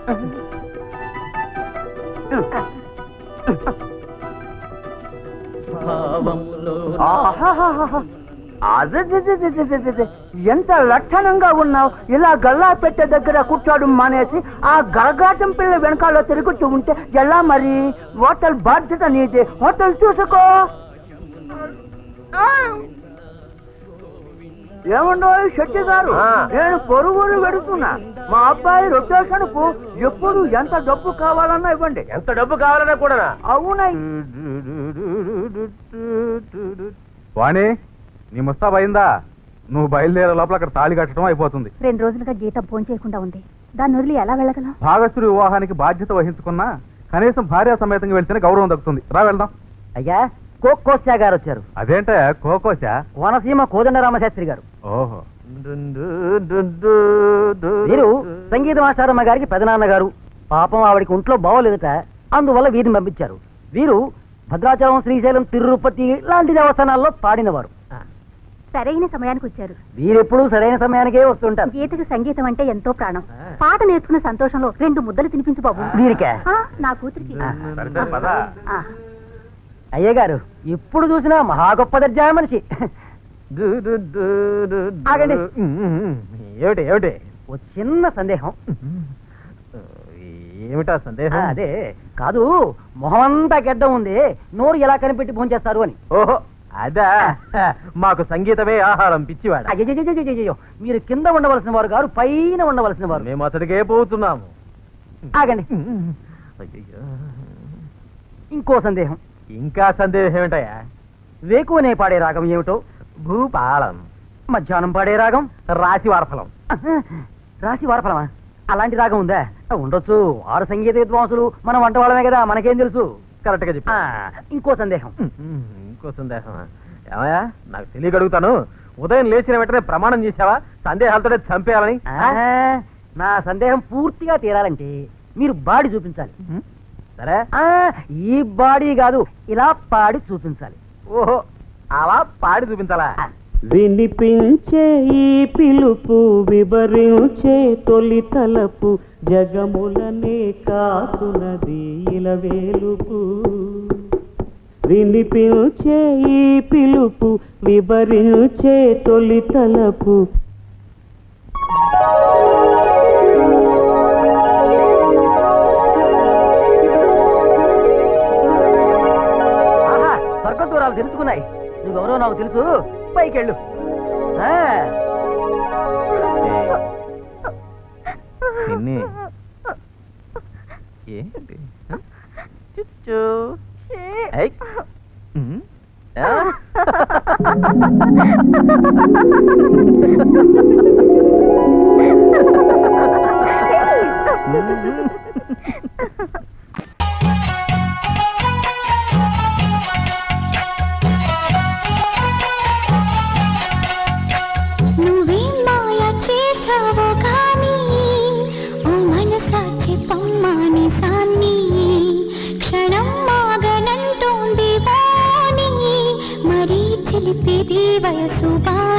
ఎంత లక్షణంగా ఉన్నావు. ఇలా గల్లా పెట్టే దగ్గర కూర్చోడం మానేసి ఆ గలగాటం పిల్ల వెనకాల తిరుగుతూ ఉంటే ఎలా మరి? హోటల్ బాధ్యత నీదే, హోటల్ చూసుకో. ఏమన్నా శెట్టి గారు, నేను పొరుగురు పెడుతున్నా. మా అబ్బాయి రొటేషన్ కు ఎప్పుడు ఎంత డబ్బు కావాలన్నా ఇవ్వండి. ఎంత డబ్బు కావాలన్నా కూడా? అవునా? వాణి, నీ ముస్తాబ్ అయిందా? నువ్వు బయలుదేరే లోపల అక్కడ తాళి కట్టడం అయిపోతుంది. 2 రోజులుగా గీత భోజనం చేయకుండా ఉంది. దాన్ని వదిలి ఎలా వెళ్ళగలం? భాగస్తుడి వివాహానికి బాధ్యత వహించుకున్నా కనీసం భార్య సమేతంగా వెళ్తేనే గౌరవం దక్కుతుంది. రా వెళ్దాం. అయ్యా, కోకోశా గారు వచ్చారు. అదేంటే కోకోశా? కోనసీమ కోదండరామశాస్త్రి గారు. ఓహో. వీరు సంగీతమాచారమ్మ గారికి పెదనాన్నగారు. పాపం ఆవిడికి ఒంట్లో బాగోలేదట, అందువల్ల వీరిని పంపించారు. వీరు భద్రాచలం, శ్రీశైలం, తిరుపతి లాంటి దేవస్థానాల్లో పాడినవారు. సరైన సమయానికి వచ్చారు. వీరెప్పుడు సరైన సమయానికే వస్తుంటారు. గీతకి సంగీతం అంటే ఎంతో ప్రాణం. పాట నేర్చుకున్న సంతోషంలో 2 ముద్దలు తినిపించు బాబు. వీరికే? నా కూతురికి. అయ్య గారు, ఎప్పుడు చూసినా మహా గొప్ప దర్జా మనిషి. ఆగండి. ఏమిటి ఏమిటి? ఓ చిన్న సందేహం. ఏమిటా సందేహం? అదే కాదు, మొహమంతా గెడ్డం ఉంది, నోరు ఎలా కనిపెట్టి భోంచేస్తారు అని. ఓహో, అదా? మాకు సంగీతమే ఆహారం, పిచ్చివాడు. అయ్యో, మీరు కింద ఉండవలసిన వారు గారు, పైన ఉండవలసిన వారు. మేము అతడికే పోతున్నాము. ఆగండి. ఇంకో సందేహం. ఇంకా సందేహం ఏమిటయా? వేకువనే పాడే రాగం ఏమిటో? భూపాలం. మధ్యాహ్నం పాడే రాగం? రాశి వారఫలం. రాశి వారఫలమా? అలాంటి రాగం ఉందా? ఉండొచ్చు, వారు సంగీత విద్వాంసులు, మనం వంట వాళ్ళమే కదా, మనకేం తెలుసు. కరెక్ట్ గా చెప్పా. ఇంకో సందేహం. ఇంకో సందేహం ఏమయ్యా? నాకు తెలియగలుగుతాను. ఉదయం లేచిన వెంటనే ప్రమాణం చేసావా సందేహాలతో చంపేయాలని? నా సందేహం పూర్తిగా తీరాలంటే మీరు బాడీ చూపించాలి. సరే, ఈ బాడీ కాదు, ఇలా పాడి చూపించాలి. ఓహో, అలా పాడి చూపించాలా? వినిపించే ఈ పిలుపు, వివరించే తొలి తలపు, జగములనే కాచునది ఇలవేలుపు. వినిపించే ఈ పిలుపు, వివరించే తొలి తలపు. స్వర్గ దూరాలు తెలుసుకున్నాయి. నువ్వెవరో నాకు తెలుసు, పైకెళ్ళు. ఏంటి? నువ్వేం మాయ చేసావో కానీ ఓ మనసాచి పమ్మాని సాన్ని, క్షణం మాగనంటోంది వాణి, మరీ చిలిపేది వయసు.